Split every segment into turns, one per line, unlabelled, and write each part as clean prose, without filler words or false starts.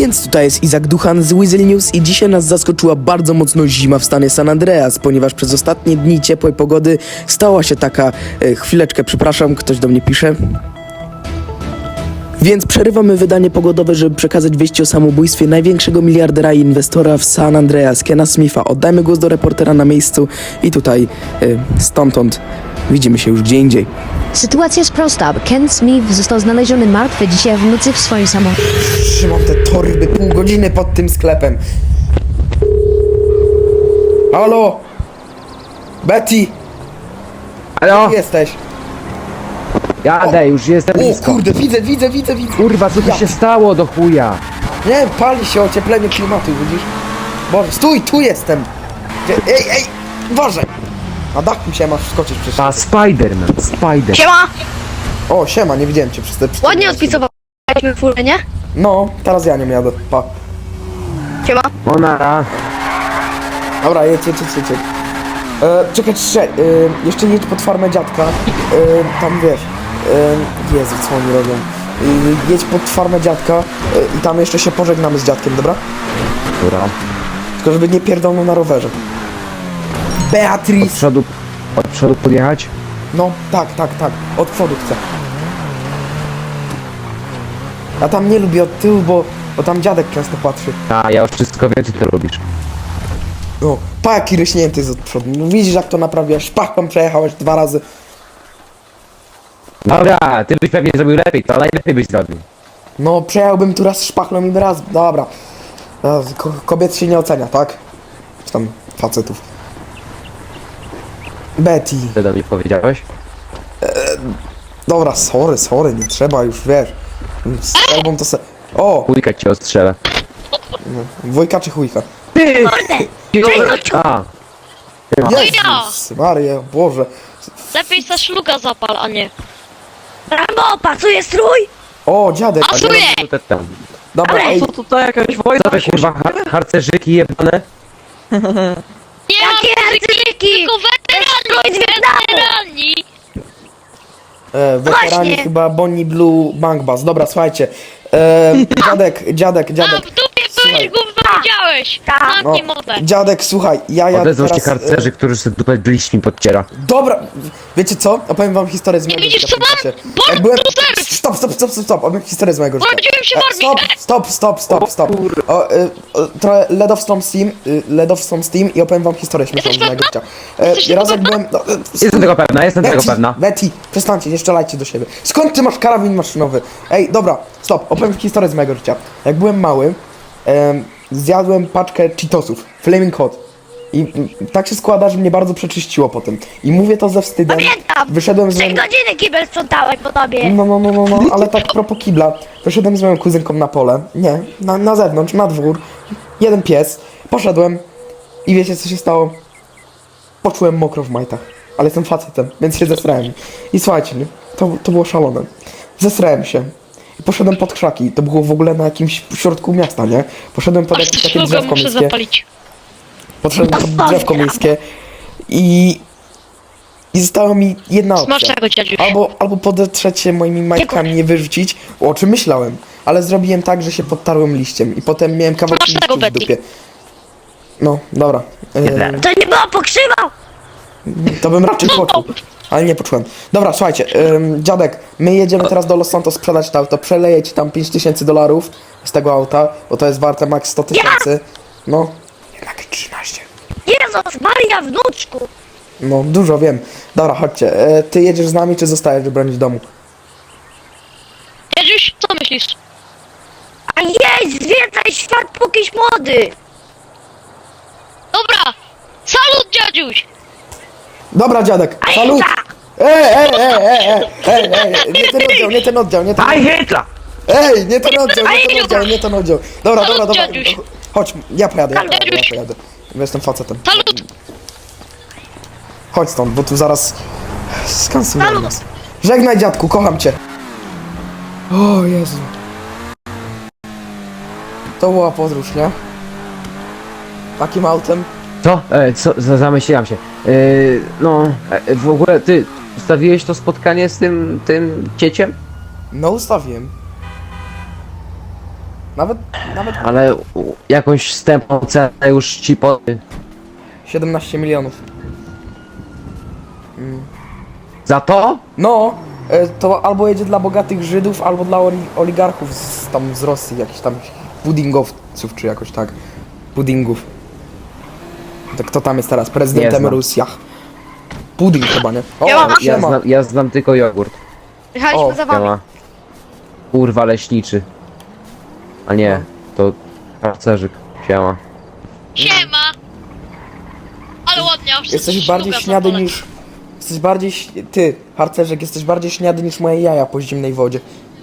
Więc tutaj jest Izak Duchan z Weasel News i dzisiaj nas zaskoczyła bardzo mocno zima w stanie San Andreas, ponieważ przez ostatnie dni ciepłej pogody stała się taka... chwileczkę, przepraszam, ktoś do mnie pisze. Więc przerywamy wydanie pogodowe, żeby przekazać wieści o samobójstwie największego miliardera i inwestora w San Andreas, Kena Smitha. Oddajmy głos do reportera na miejscu i tutaj, stamtąd widzimy się już gdzie indziej.
Sytuacja jest prosta. Ken Smith został znaleziony martwy dzisiaj w nocy w swoim samochodzie.
Trzymam te torby pół godziny pod tym sklepem. Halo? Betty?
Halo?
Gdzie jesteś?
Jadę, już jestem
O
blisko.
kurde, widzę.
Kurwa, co tu
Ja.
się stało do chuja?
Nie, pali się ocieplenie klimatu, widzisz? Boże, stój, tu jestem! Ej, uważaj! Na dachu się masz wskoczyć przecież.
A Spider-Man, Spider.
Siema!
O, siema, nie widziałem cię przez te...
Ładnie odpisowaliśmy furę, nie?
No, teraz ja nie jadę, pa.
Siema!
Onara.
Dobra, jedź. Czekaj, jeszcze jedź pod farmę dziadka. Tam wiesz... Jezu, co oni robią? Jedź pod farmę dziadka i tam jeszcze się pożegnamy z dziadkiem, dobra?
Dobra.
Tylko żeby nie pierdolnął na rowerze. Beatrice!
Od przodu podjechać?
No, tak. Od przodu chcę. Ja tam nie lubię od tyłu, bo tam dziadek często patrzy.
A, ja już wszystko wiem, ty to lubisz.
No, pa jaki ryśnięty jest od przodu. No, widzisz jak to naprawiasz. Szpachą przejechałeś 2 razy.
Dobra, ty byś pewnie zrobił lepiej, to najlepiej byś zrobił.
No, przejechałbym tu raz szpachlą i raz... Dobra. Kobiet się nie ocenia, tak? Czy tam facetów. Betty.
Co do mnie powiedziałeś?
Dobra, sorry, nie trzeba już, wiesz. Strzelbą to se... O!
Chujka cię ostrzelę.
Wujka czy chujka?
Ty! A,
Jezus Maria, Boże.
Lepiej se szluga zapal, a nie.
Rambo, pasuje strój?
O, dziadek.
Pasuje!
minutę temu.
Dobra, ej.
Co tutaj jakaś wojna?
Co wy kurwa, harcerzyki jebane?
Nie
Jakie
ma
arcyki?
tylko
Strój z Wietnamu!
weterani!
Weterani
Właśnie.
chyba Bonnie Blue Bank Bus. Dobra, słuchajcie. Dziadek.
A w dupie
Słuchaj.
byłeś, gówno widziałeś!
Tak.
Zamknij mordę!
Dziadek, słuchaj, ja
Odezwał się
teraz...
harcerzy, którzy sobie dupę bliźni podciera.
Dobra, wiecie co? Opowiem wam historię z mojego
widzisz,
życia.
co mam?
pamiętacie?
Born
Jak byłem...
to serve.
Stop, opowiem historię z mojego życia.
Urodziłem się w armii.
Stop. Trochę Led of Storm Steam i opowiem wam historię śmieszną z
Jesteś
mojego życia.
Jesteś
Raz
tego
jak byłem... No,
Jestem tego pewna.
Betty, przestańcie, nie strzelajcie do siebie. Skąd ty masz karabin maszynowy? Ej, dobra, stop, opowiem historię z mojego życia. Jak byłem mały, zjadłem paczkę Cheetosów, Flaming Hot. I tak się składa, że mnie bardzo przeczyściło potem. I mówię to ze wstydem.
Pamiętam!
Wyszedłem z
3
moim...
godziny kibel sprzątałem po tobie!
No, ale tak propos kibla. Wyszedłem z moją kuzynką na pole. Nie, na zewnątrz, na dwór. Jeden pies. Poszedłem i wiecie co się stało? Poczułem mokro w majtach. Ale jestem facetem, więc się zesrałem. I słuchajcie, nie? To było szalone. Zesrałem się. I poszedłem pod krzaki. To było w ogóle na jakimś środku miasta, nie? Poszedłem pod
Aż
jakieś
te
takie
szluga
drzewko
muszę
miejskie.
zapalić.
Podszedłem pod drzewko miejskie. I została mi jedna opcja.
Smacznego, dziadziuś.
Albo podetrzeć się moimi majtkami, nie wyrzucić, o czym myślałem. Ale zrobiłem tak, że się podtarłem liściem i potem miałem kawałki
Smacznego,
liściu w
Betty.
dupie. No, dobra.
Jeden.
To nie było pokrzywa!
To bym raczej poczuł. Ale nie poczułem. Dobra, słuchajcie, dziadek, my jedziemy teraz do Los Santos sprzedać to auto. Przeleję ci tam $5000 z tego auta, bo to jest warte max 100 000. No, jednak 13.
Jezus Maria, wnuczku!
No, dużo wiem. Dobra, chodźcie. Ty jedziesz z nami, czy zostajesz bronić domu?
Dziadziuś, co myślisz?
A jedź, zwiedzaj świat pókiś młody!
Dobra! Salut, dziadziuś!
Dobra, dziadek,
A
salut!
Hitler!
Ej, nie ten oddział.
Aj, Hitler!
Ej, nie ten oddział. Dobra.
Salut, dziadziuś.
Chodź, ja pojadę.
Dziadziuś.
Bo jestem facetem.
Salut!
Chodź stąd, bo tu zaraz skansują
Salut.
nas. Żegnaj dziadku, kocham cię. O Jezu. To była podróż, nie? Takim autem.
Co? Zamyśliłam się. W ogóle ty ustawiłeś to spotkanie z tym cieciem?
No ustawiłem. Nawet
Ale jakąś wstępną cenę już ci po...
17 milionów.
Za to?
No, to albo jedzie dla bogatych Żydów, albo dla oligarchów z Rosji, jakichś tam pudingowców, czy jakoś tak. Pudingów. To kto tam jest teraz?
Nie
Prezydentem
znam.
Rosji. Pudding chyba, nie? O,
Ja
siema.
Ja znam tylko jogurt.
Jechaliśmy
O,
za wami.
Siema. Kurwa leśniczy. A nie, to harcerzyk. Siema.
Siema! Ale ładnie, aż
Jesteś bardziej
szluga
śniady
zapalę.
niż... Jesteś bardziej... Ty, harcerzek, jesteś bardziej śniady niż moje jaja po zimnej wodzie.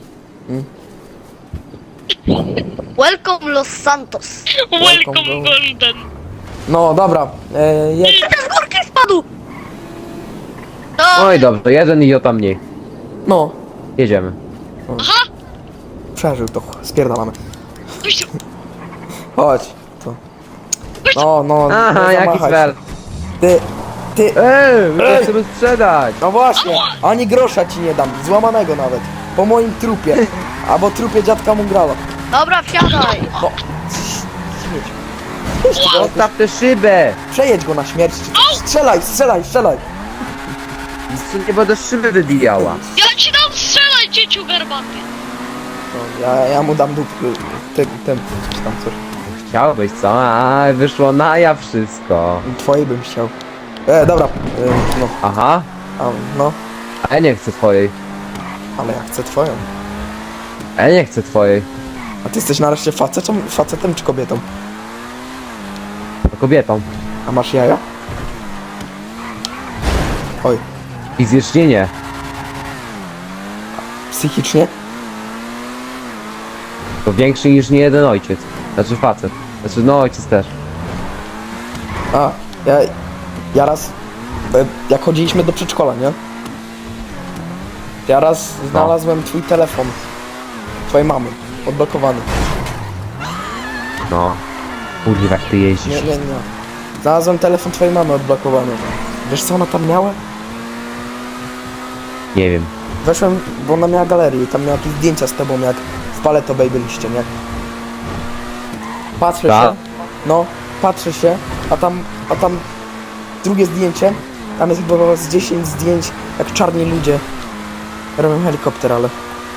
Welcome Los Santos.
Welcome
Welcome,
Golden.
No, dobra. Jedź.
Z górki spadł! No,
No i dobrze, jeden idiota mniej.
No,
Jedziemy.
przeżył to. Spierdalamy.
Gościu,
Chodź. To. No,
Aha,
nie
jaki
zamachaj
sfer.
się. Ty,
Ja chcemy sprzedać.
no właśnie, ani grosza ci nie dam, złamanego nawet. Po moim trupie, albo trupie dziadka Mungrala.
dobra, wsiadaj.
No,
Zostaw tę szybę.
przejedź go na śmierć, czy coś. Strzelaj.
Nie będę szyby wybijała.
ja ci dam strzelać, dzieciu garbaty.
No, ja mu dam tym, czy tam coś.
Chciałbyś, co? A, wyszło na ja wszystko.
Twojej bym chciał. Dobra, no,
Aha,
no,
a ja nie chcę twojej.
ale ja chcę twoją.
A ja nie chcę twojej.
A ty jesteś nareszcie facetem czy kobietą?
To kobietą.
A masz jaja? Oj,
Fizycznie nie.
psychicznie?
To większy niż nie jeden ojciec. Znaczy facet. Znaczy no ojciec też.
A, ja raz, jak chodziliśmy do przedszkola, nie? Ja raz znalazłem twój telefon, twojej mamy, odblokowany.
No. Kurwa jak ty jeździsz.
Nie. Znalazłem telefon twojej mamy odblokowany. Wiesz co ona tam miała?
Nie wiem.
Weszłem, bo ona miała galerię i tam miała jakieś zdjęcia z tobą, jak w Paleto Bay byliście, nie? Patrzę
Tak.
się, no, patrzę się, a tam drugie zdjęcie, tam jest chyba z 10 zdjęć, jak czarni ludzie robią helikopter, ale...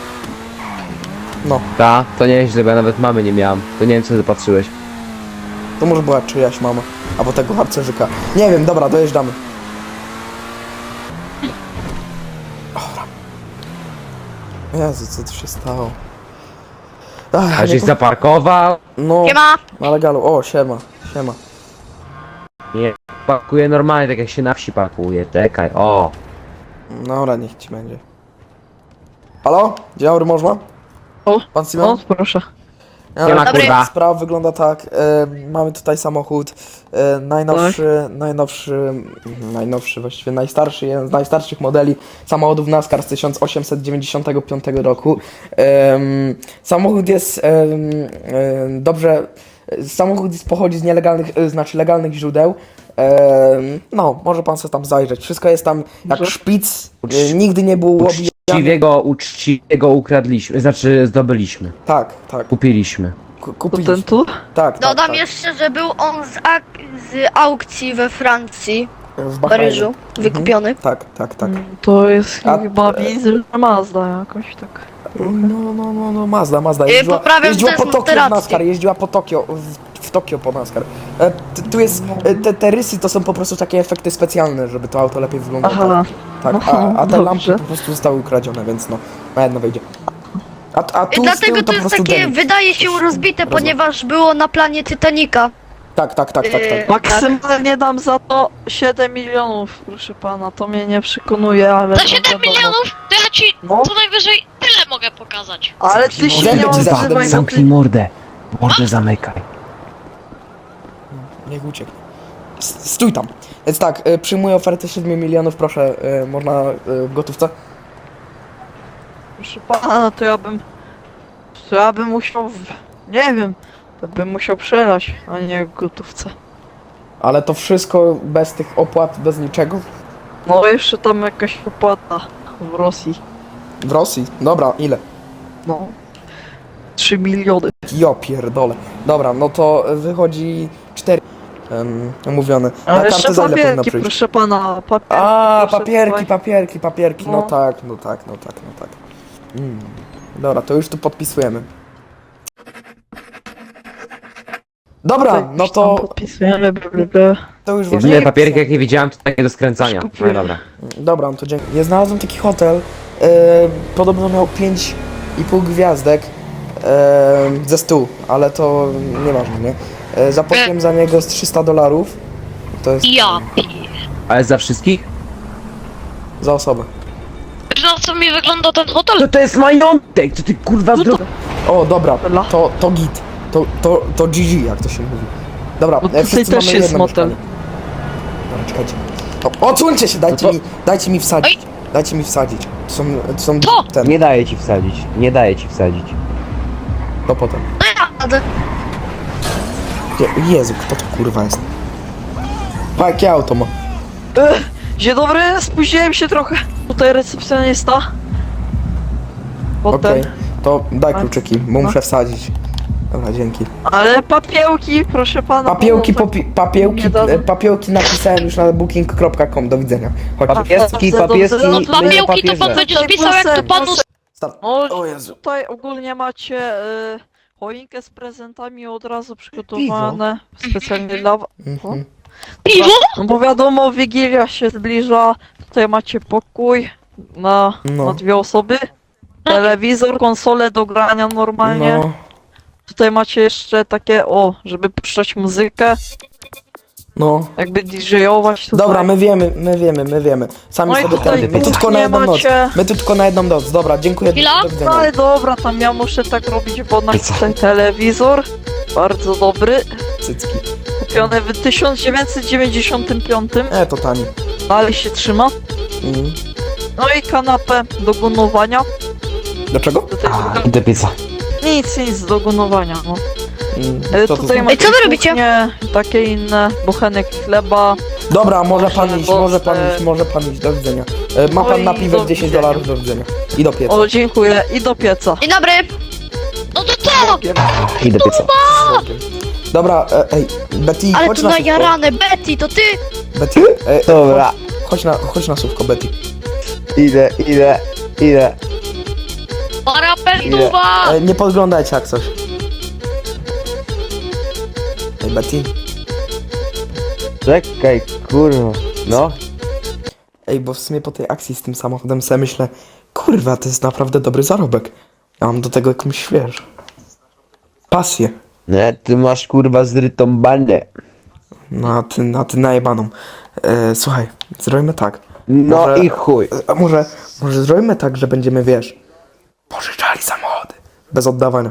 No,
Ta, to nieźle, bo ja nawet mamy nie miałam. To nie wiem co ty patrzyłeś.
to może była czyjaś mama, albo tego harcerzyka. Nie wiem, dobra, dojeżdżamy. Dobra. Jezu, co tu się stało? Ach,
A żeś zaparkował?
no,
Siema.
ale galu, o, siema.
Nie. Pakuję normalnie, tak jak się na wsi pakuje. Czekaj, o.
Dobra, niech ci będzie. Halo? Dzień dobry, można?
O,
Pan Simon?
o, proszę.
Siema,
Dobry.
kurwa.
Sprawa wygląda tak, mamy tutaj samochód najnowszy, właściwie najstarszy, jeden z najstarszych modeli samochodów NASCAR z 1895 roku. Samochód jest pochodzi z nielegalnych, znaczy legalnych źródeł. No, może pan sobie tam zajrzeć. Wszystko jest tam jak
Może?
szpic, nigdy nie było łobijane.
Uczciwego ukradliśmy, znaczy zdobyliśmy.
Tak,
Kupiliśmy.
To
kupiliśmy.
ten tu?
Tak,
Dodam
tak.
jeszcze, że był on z aukcji we Francji,
W
w
Bahrajnie.
Paryżu, wykupiony.
Tak.
To jest
A-
chyba widzę, że Mazda jakoś tak.
No, Mazda.
poprawiam
Jeździła
też
po Tokio w
rację.
NASCAR, jeździła po Tokio, w Tokio po NASCAR. Tu jest, te rysy to są po prostu takie efekty specjalne, żeby to auto lepiej wyglądało.
Aha,
Tak,
no,
a te lampy
dobrze.
po prostu zostały ukradzione, więc no, na jedno wyjdzie. A tu z
Dlatego
tyłu
to
to po
jest
prostu
takie,
denik.
wydaje się rozbite, ponieważ było na planie Titanica.
Tak.
maksymalnie dam za to 7 milionów, proszę pana. To mnie nie przekonuje, ale.
Za
to
7
wiadomo.
milionów to ja ci
No.
co najwyżej tyle mogę pokazać.
Ale ty się
Zęby
nie
ci
odzywaj, no
Zamknij
ty...
mordę. Mordę zamykaj.
Niech ucieknie. Stój tam. Więc tak, przyjmuję ofertę 7 milionów, proszę, można w gotówce?
Proszę pana, to ja bym musiał. Nie wiem. To bym musiał przelać, a nie w gotówce.
Ale to wszystko bez tych opłat, bez niczego?
No jeszcze tam jakaś opłata w Rosji.
W Rosji? Dobra, ile?
No. 3 miliony.
Jo pierdolę. Dobra, no to wychodzi 4 mówione. Na
Ale jeszcze
kartę za ile powinno
papierki,
przyjść?
proszę pana, papierki.
A,
proszę
papierki. No
No.
tak. Dobra, to już tu podpisujemy. Dobra,
tutaj.
no
Już tam
to,
podpisujemy, blablabla.
to już właśnie...
Jedyne papierki jakie widziałem to takie do skręcania. No
Kupiłem.
i dobra.
Dobra, no to dzięki. Ja znalazłem taki hotel, podobno miał 5,5 gwiazdek ze 100, ale to nieważne, nie? Zapłaciłem za niego z $300, to jest
Ja.
Ale za wszystkich?
za osobę.
Wiesz na co mi wygląda ten hotel?
To jest majątek! To ty kurwa zdro...
O, dobra,
Dobra.
to git, to GG, jak to się mówi. Dobra,
Bo tutaj
wszyscy
też
mamy
jest
jedno
motel.
mieszkanie. Dobra, czekajcie. Odsuńcie się, dajcie mi wsadzić. Dajcie mi wsadzić. To są
To!
ten,
Nie daję ci wsadzić. Nie daję ci wsadzić.
to potem. Jezu, kto to kurwa jest? Pa, jakie auto ma?
Dzień dobry, spóźniłem się trochę. Tutaj recepcjonista. Potem.
Okej, to daj
A,
kluczyki, bo
no.
muszę wsadzić. Dobra, dzięki.
Ale papiełki, proszę pana.
Papiełki,
bo tak nie dadzą.
papiełki napisałem już na booking.com, do widzenia. Chodź,
Papieski,
Dobrze,
papieski,
dobrze.
No
No,
papiełki to pan
papierze.
będzie
Tutaj
spisał jak to panu...
proszę.
start.
No,
O Jezu.
tutaj ogólnie macie choinkę z prezentami od razu przygotowane specjalnie dla was.
Mhm.
Piwo?
No bo wiadomo, Wigilia się zbliża. Tutaj macie pokój na,
No.
na 2 osoby. Telewizor, konsolę do grania normalnie.
No,
Tutaj macie jeszcze takie, żeby puszczać muzykę,
no.
jakby DJ-ować tutaj.
Dobra, my wiemy. Sami
No i
sobie
tutaj
ten. My tu tylko na
kuchnię
jedną noc.
macie.
My tu tylko na jedną noc. Dobra, dziękuję.
Chwila?
Do
No
widzenia.
ale dobra, tam ja muszę tak robić, bo na ten telewizor, bardzo dobry,
Cycki.
kupiony w 1995,
To tani.
ale się trzyma.
Mhm.
No i kanapę do gunowania.
Dlaczego?
Do tej
I do pieca.
nic do gunowania, no.
Co to
Tutaj
znaczy?
macie
co wy robicie?
kuchnię, takie inne, bochenek chleba.
Dobra, może pan
Proszę,
iść,
bo-
może pan iść, do widzenia. Ma pan
Oj,
napiwek
do
$10, do widzenia. I do pieca.
O, dziękuję, i do pieca.
Dzień dobry.
No to co?
I do pieca.
Dobra, ej, Betty,
Ale
chodź
tu
na słówko.
najarane, Betty, to ty?
Betty,
Dobra.
chodź na słówko, Betty.
Idę.
Parapentuwa!
Nie podglądajcie jak coś. Ej, Betty.
Czekaj, kurwa. No.
Ej, bo w sumie po tej akcji z tym samochodem sobie myślę, kurwa, to jest naprawdę dobry zarobek. Ja mam do tego jakąś, wiesz, pasję.
Nie, ty masz kurwa zrytą bandę.
Na ty najebaną. Słuchaj, zrobimy tak.
No
Może-
i chuj.
A może zrobimy tak, że będziemy, wiesz, pożyczali samochody. Bez oddawania.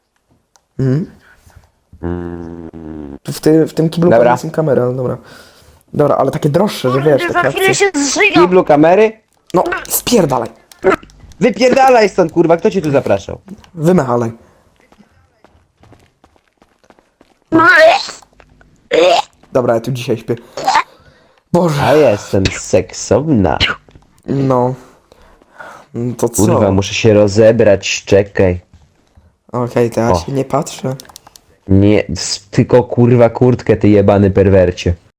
W tym kiblu
Dobra.
pewnie są kamery, ale dobra. Dobra, ale takie droższe, że wiesz,
Za
takie
chwilę
akcje.
się zżyga.
Kiblu kamery?
No, spierdalaj.
Wypierdalaj stąd kurwa, kto cię tu zapraszał?
Wymechalaj. Dobra, ja tu dzisiaj śpię. Boże,
A jestem seksowna.
no. To co?
Kurwa, muszę się rozebrać, czekaj.
Okej, to ja
O.
się nie patrzę.
Nie, tylko kurwa kurtkę, ty jebany perwercie.